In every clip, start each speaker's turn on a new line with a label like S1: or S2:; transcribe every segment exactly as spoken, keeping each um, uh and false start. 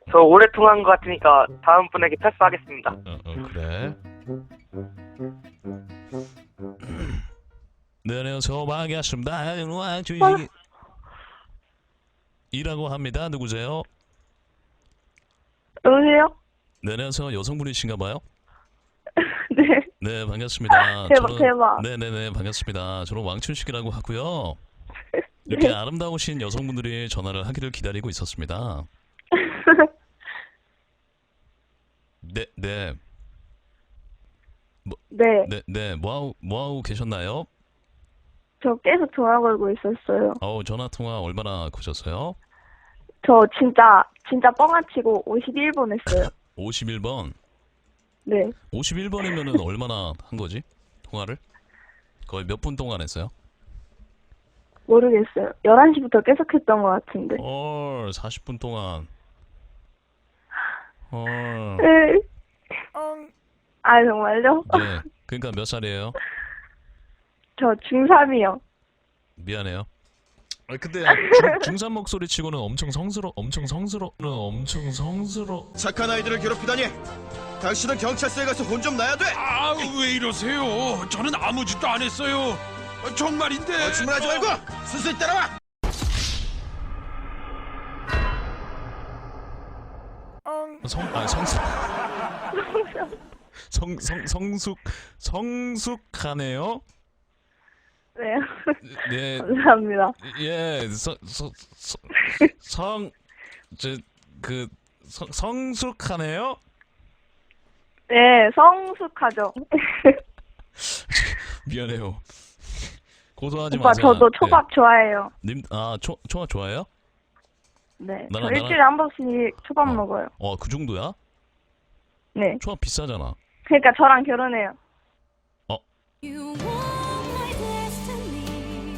S1: 저 오래 통화한 것 같으니까 다음 분에게 패스하겠습니다.
S2: 어, 어 그래. 네, 안녕하세요. 반갑습니다. 주식이 이라고 합니다. 누구세요?
S3: 여보세요?
S2: 네, 안녕하세요. 여성분이신가 봐요?
S3: 네.
S2: 네, 반갑습니다.
S3: 대박,
S2: 저는,
S3: 대박.
S2: 네네네, 반갑습니다. 저는 왕춘식이라고 하고요. 이렇게
S3: 네.
S2: 아름다우신 여성분들이 전화를 하기를 기다리고 있었습니다. 네, 네. 뭐,
S3: 네.
S2: 네, 네. 뭐하고, 뭐하고 계셨나요?
S3: 저 계속 전화 걸고 있었어요.
S2: 어우, 전화통화 얼마나 거셨어요?
S3: 저 진짜, 진짜 뻥안 치고 오십일 번 했어요.
S2: 오십일 번.
S3: 네.
S2: 오십일 번이면은 얼마나 한 거지? 통화를? 거의 몇 분 동안 했어요?
S3: 모르겠어요. 열한 시부터 계속 했던 것 같은데.
S2: 헐, 사십 분 동안. 헐.
S3: 네. 아, 정말요?
S2: 네. 그러니까 몇 살이에요?
S3: 저 중삼이요.
S2: 미안해요. 아 근데 중, 중삼 목소리 치고는 엄청 성스러, 엄청 성스러, 엄청 성스러.
S4: 착한 아이들을 괴롭히다니. 당신은 경찰서에 가서 혼 좀 나야 돼.
S5: 아, 왜 이러세요? 저는 아무 짓도 안 했어요. 어, 정말인데.
S4: 거짓말하지 말고 수술 따라와.
S2: 성, 아 성숙. 성, 성, 성숙, 성숙하네요.
S3: 네.
S2: 네,
S3: 감사합니다.
S2: 예, 성, 성, 성, 성, 저, 그, 성, 성숙하네요.
S3: 네, 성숙하죠.
S2: 미안해요. 고소하지
S3: 오빠,
S2: 마세요.
S3: 저도 초밥 좋아해요.
S2: 네. 님, 아, 초, 초밥 좋아해요?
S3: 네.
S2: 나랑-
S3: 저 일주일에 한 번씩 초밥
S2: 어.
S3: 먹어요.
S2: 어, 그 정도야?
S3: 네.
S2: 초밥 비싸잖아.
S3: 그러니까 저랑 결혼해요.
S6: You are my destiny.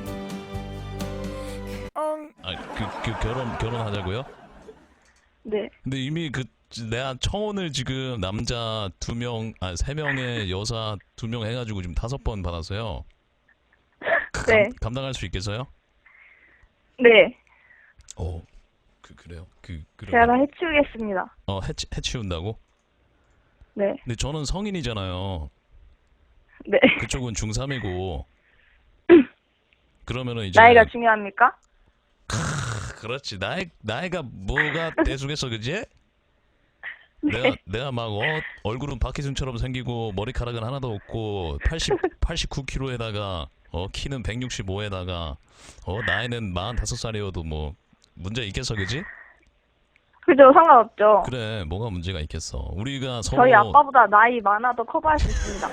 S2: 아, 그, 그 결혼, 결혼하자고요?
S3: 네.
S2: 근데 이미 그, 내가 청혼을 지금 남자 두 명, 아, 세 명에 여사 두 명 해가지고 지금 다섯 번 받았어요. 그
S3: 네.
S2: 감, 감당할 수 있겠어요?
S3: 네.
S2: 오, 그, 그래요? 그, 그래.
S3: 제가 다 해치우겠습니다.
S2: 어, 해치, 해치운다고?
S3: 네.
S2: 근데 저는 성인이잖아요.
S3: 네.
S2: 그쪽은 중삼이고. 그러면은 이제.
S3: 나이가 중요합니까?
S2: 그렇지. 나이, 나이가 뭐가 대수겠어, 그지?
S3: 네.
S2: 내가, 내가 막, 어, 얼굴은 박희순처럼 생기고, 머리카락은 하나도 없고, 팔십, 팔십구 킬로그램에다가, 어, 키는 백육십오에다가, 어, 나이는 마흔다섯 살이어도 뭐, 문제 있겠어, 그지?
S3: 그죠, 상관없죠.
S2: 그래, 뭐가 문제가 있겠어. 우리가 서로.
S3: 저희 아빠보다 나이 많아도 커버할 수 있습니다.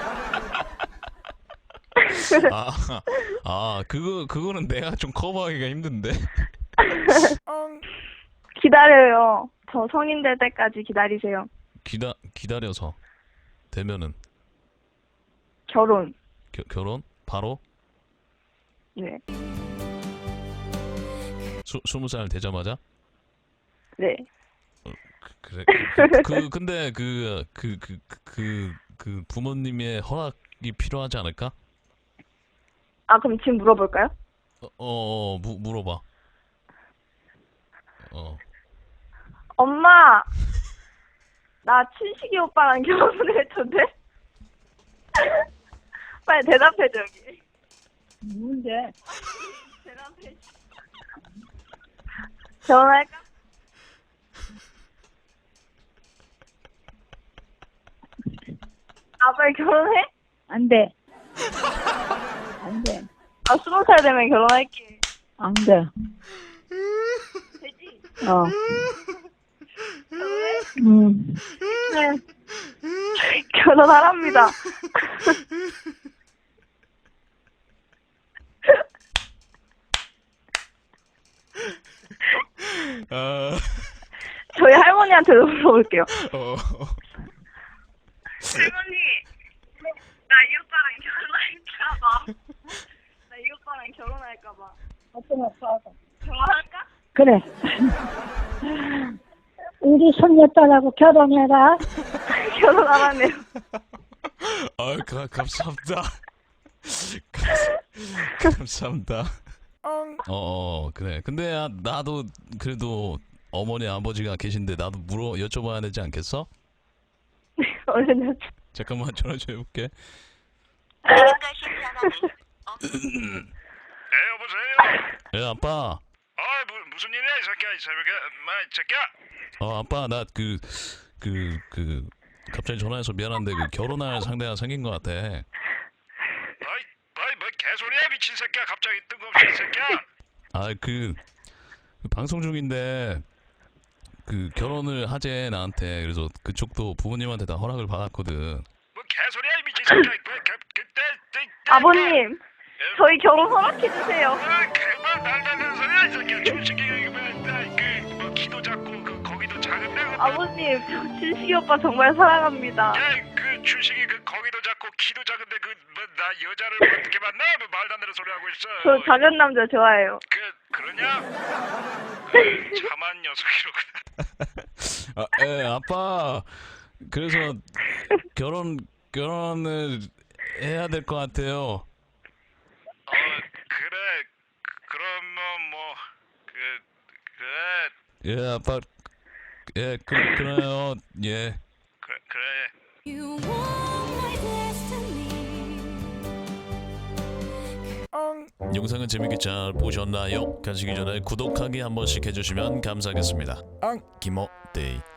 S2: 아, 아, 그거, 그거는 내가 좀 커버하기가 힘든데.
S3: 기다려요. 저 성인 될 때까지 기다리세요.
S2: 기다, 기다려서. 되면은.
S3: 결혼.
S2: 겨, 결혼? 바로?
S3: 네.
S2: 수, 스무 살 되자마자?
S3: 네.
S2: 그래. 그, 그 근데 그 그 그 그 그 부모님의 허락이 필요하지 않을까?
S3: 아, 그럼 지금 물어볼까요?
S2: 어, 어, 어 무, 물어봐. 어.
S3: 엄마, 나 춘식이 오빠랑 결혼을 했던데? 빨리 대답해줘, 여기.
S7: 뭔데?
S3: 대답해. 결혼할까? 아, 빨리 결혼해?
S7: 안 돼. 안 돼.
S3: 아, 스무 살 되면 결혼할게.
S7: 안 돼.
S3: 되지?
S7: 어.
S3: 결혼해?
S7: 음.
S3: 네. 결혼하랍니다.
S2: 아.
S3: 저희 할머니한테도 물어볼게요.
S2: 어.
S3: 할머니, 나 이 오빠랑 결혼할까봐. 나 이 오빠랑 결혼할까봐.
S7: 어떤 거 사다.
S3: 결혼할까?
S7: 그래. 우리 손녀딸하고 결혼해라.
S3: 결혼 안 하네요.
S2: 아, 가, 감사합니다. 감, 감사합니다. 어, 어, 그래. 근데 아, 나도 그래도 어머니 아버지가 계신데 나도 물어 여쭤봐야 되지 않겠어?
S3: 얼른
S2: 잠깐만 전화 좀 해볼게.
S5: 네, 여보세요.
S2: 예 아빠.
S5: 아, 무, 무슨 일이야 이 새끼야, 이 새벽에, 마, 이 새끼야.
S2: 어 아빠 나 그 그 그 갑자기 전화해서 미안한데 그 결혼할 상대가 생긴 것 같아.
S5: 아이, 아이, 뭐 개소리야 미친 새끼야. 갑자기 뜬금없이 이 새끼야.
S2: 아 그 방송 중인데 그 결혼을 하재 나한테. 그래서 그쪽도 부모님한테 다 허락을 받았거든.
S5: 뭐 개소리야 이 미친 새끼야. 그, 그, 그때, 그때,
S3: 아버님, 저희 결혼 허락해주세요.
S5: 아, 그만 날다는 소리야 이 새끼야. 준식이가 그뭐 키도 작고 그 거기도 작은데. 그,
S3: 아버님, 저 준식이 오빠 정말 사랑합니다.
S5: 야, 그 준식이 그 거기도 작고 키도 작은데 그 뭐 나 여자를 뭐 어떻게 만나? 뭐 말도 안 되는 소리 하고 있어.
S3: 저 작은 남자 좋아해요.
S5: 그 그러냐? 그, 참한 녀석이로구나.
S2: 아, 예 아빠. 그래서 결혼 결혼을 해야 될 것 같아요.
S5: 어 그래. 그- 그러면 뭐 그 그래.
S2: 예 아빠. 예 그, 그래요. 예.
S5: 그래 그래.
S6: You want my destiny.
S2: 영상은 재밌게 잘 보셨나요? 가시기 전에 구독하기 한 번씩 해주시면 감사하겠습니다. 앙 김어데이.